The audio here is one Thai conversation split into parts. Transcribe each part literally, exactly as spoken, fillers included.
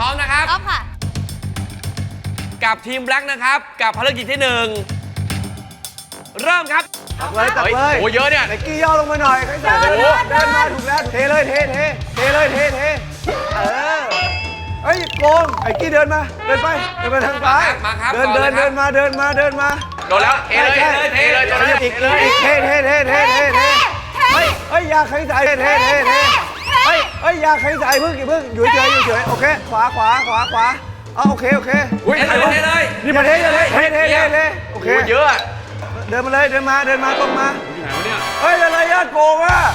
ร้อมนะครับพร้อมค่ะกับทีมแบล็กนะครับกับภารกิจที่หนึ่งเริ่มครับตักเลยตักเลยโอ้เยอะเนี่ยไนกี้ย่อลงมาหน่อยใครใส่เดินมาเดินมาถูกแล้วเทเลยเทเทเทเลยเทเทเออเฮ้ยโกงไอ้กี้เดินมาเดินไปเดินไปทางซ้ายมาครับเดินก่อนเดิเลยนครับเดินมาเดินมาเดินมาโดนแล้วเทเลยใช่เทเลยเทเลยอีกอีกเทเทเทเทเทเทเฮ้ยเฮ้ยอยาใครใส่เทเทเทเทเฮ้ยเฮ้ยอยาใครใส่พึ่งอย่าพึ่งอยู่เฉยอยู่เฉยโอเคขวาขวาขวาขวาเอาโอเคโอเคเทเลยเทเลยนี่มาเทเทเทเทเทเทโอเคโอ้เยอะอะเดินมาเลยเดินมาเดินมาตรงมาอยู่ไหนวะเนี่ยเฮ้ยอะไรญาติโกงอ่ะ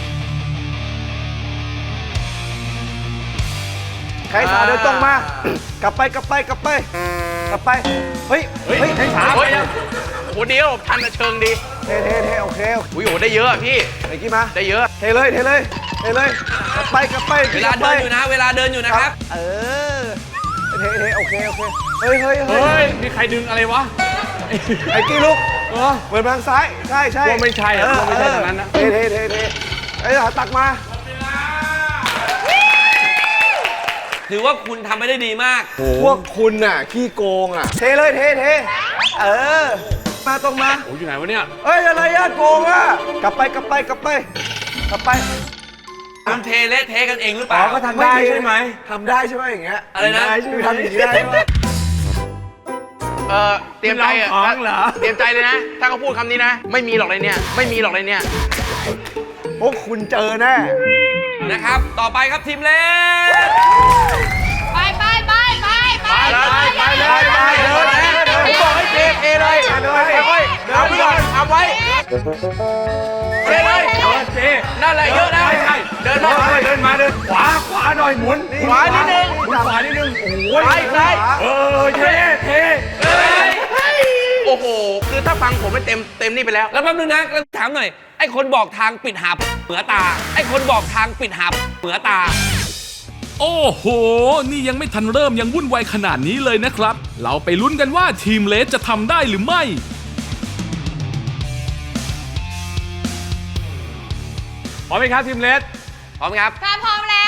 ใครสาเดินตรงมา กลับไปกลับไปกลับไปกลับไปเฮ้ยเฮ้ยใครสาเฮ้ยโอ้โหเดียวทันเชิงดีเทเทเทโอเคอุ้ยโอ้ได้เยอะอะพี่ไอ้กี้มาได้เยอะเทเลยเทเลยเทเลยกลับไปกลับไปเวลาเดินอยู่นะ เวลาเดินอยู่นะครับเออเทเทโอเคโอเคเฮ้ยเฮ้ยเฮ้เฮ้ยย มีใครดึงอะไรวะไอ้กี้ลุกเออเหมือนทางซ้ายใช่ใช่กลัวไม่ใช่อะเกลัวไม่ใช่ทางนั้นนะเทเทเทเทไอ้หาตักมาถือว่าคุณทำไม่ได้ดีมากพวกคุณน่ะขี้โกงอ่ะเทเลยเทเทเออมาตรงมาโอ้ยอยู่ไหนวะเนี่ยเอ้ยอะไรญาติโกงอ่ะกลับไปกลับไปกลับไปกลับไปคุณเทเละเทกันเองหรือเปอ๋อล่าก็ทำได้ใช่ไหมทำได้ใช่ไหมอย่างเงี้ยอะไรนะคือทำอย่างนี้ได้ใช่ไหมเออเตรียมใจอะเราของเหรอเตรียมใจเลยนะ ถ้าเขาพูดคำนี้นะ ไม่มีหรอกเลยเนี่ย ไม่มีหรอกเลยเนี่ยพวกคุณเจอแน่นะครับ ต่อไปครับทีมเล็กไปไปไปไปไปไปเลยไปเลยผมบอกให้เทเทเลยไปเลยเอาไว้เอาไว้ก่อนเอาไว้เทเลยเออเจนั่นแหละเยอะนะใช่ใช่เดินมาเดินมาเดินขวาขวาหน่อยหมุนขวานิดนึงหมุนขวานิดนึงโอ้ยซ้ายซ้ายเออเทเทโอ้โห คือถ้าฟังผมไม่เต็มเต็มนี่ไปแล้วแล้วแป๊บนึงนะแล้วถามหน่อย ไอ้คนบอกทางปิดหาบเหนือตา ไอ้คนบอกทางปิดหาบเหนือตาโอ้โห นี่ยังไม่ทันเริ่มยังวุ่นวายขนาดนี้เลยนะครับ เราไปลุ้นกันว่าทีมเลสจะทำได้หรือไม่พร้อมไหมครับทีมเลสพร้อมครับถ้าพร้อมแล้ว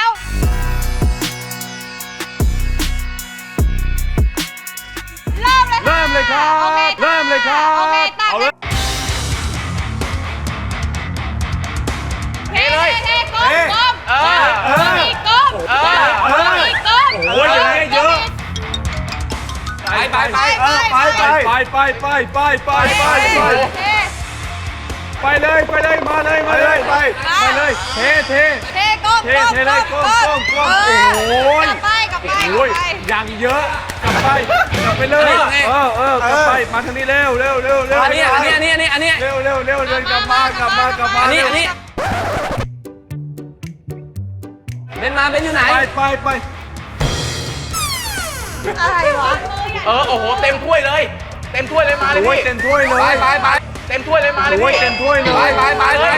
เริ่มเลยเริ่มเลยครับโอเคเริ่มเลยครับโอเคตักเอาเลยเทเลยเทก้มก้มเออเอออีกก้มเออก้มอีกก้มโอ้ยอย่างนี้เยอะไปไปไปเออไปไปไปไปไปไปไปไปไปเทไปเลยไปเลยมาเลยไปมาเลเลย ยไปไปเลยเทเทเทก้มเทเทเลยก้มก้มก้มเโอ้ยกลับไปกลับไปกโอ้ลัยบไปอย่างเยอะกลับไปกลับไปเลย เออเออกลับไปมาทางนี้เร็วเร็วเร็วเร็วอันนี้อันนี้อันนี้อันนี้อันนี้เร็วเร็วเร็วเดินกลับมากลับมากลับมาอันนี้อันนี้เบนมาเบนอยู่ไหนไปไปไปอะไรวะเออ โอ้โห เต็มถ้วยเลย เต็มถ้วยเลยมาเลยโอ้ยพี่เต็มถ้วยเลไปยไปไปเต็มถ้วยเลยมาเลยโอ้ยพี่เต็มถ้วยเลยไปไปไปไป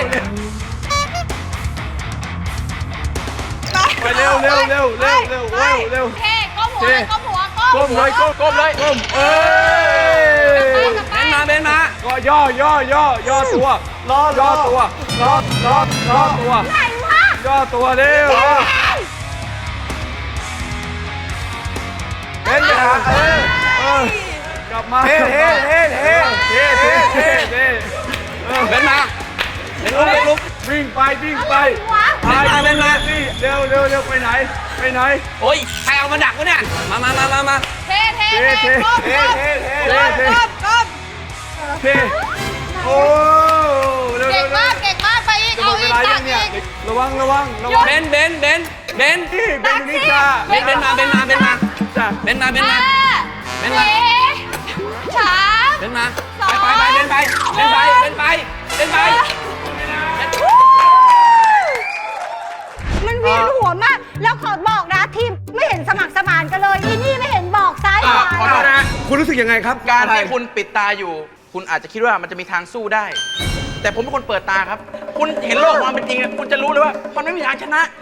ไปเร็วเร็วเร็วเร็วเร็วเร็วเร็วเทก้มหัวเลยก้มหัวก้มก้มเลยก้มก้มเลยก้มเอ้ยเบนมาเบนมาก็ย่อย่อย่อย่อตัวรอย่อตัวรอรอรอตัวไหนวะย่อตัวเร็วเห็นไหมฮะเออเออกลับมาเทเทเทเทเทเทเทเทเออเบนมาเบนลุกเบนลุกวิ่งไปวิ่งไปวะไปเร็วนี่เร็วเร็วเร็วไปไหนไปไหนโอ้ยใครเอามาดักวะเนี่ย มามามามามาเทเทเทก้มเทก้มเทเทก้มก้มก้มเทโอ้เร็วเก่เร็งวมากเก่งมากไปอีกจะหมเอาดเวอีกลาตัยักงเนี่ยอีกระวังระวังระวังเบนเบนเบนเบนนี่เป็นนิชาเบนเบนมาเบนมาเบนมาจ้ะเบนมาเบนห้ามาเบนมาสี่สามเบนมาไปไปไปเบนไปเบนไปเบนไปเบนไปมันเวียนหัวมาก แล้วขอบอกนะทีมไม่เห็นสมัครสมานกันเลยอีนี่ไม่เห็นบอกซ้ายขอ่ะวาขอโทษนะคุณรู้สึกยังไงครับการที่คุณปิดตาอยู่ คุณอาจจะคิดว่ามันจะมีทางสู้ได้ แต่ผมเป็นคนเปิดตาครับ คุณเห็นโลกความเป็นจริงอะคุณจะรู้เลยว่ามันไม่มีทางชนะ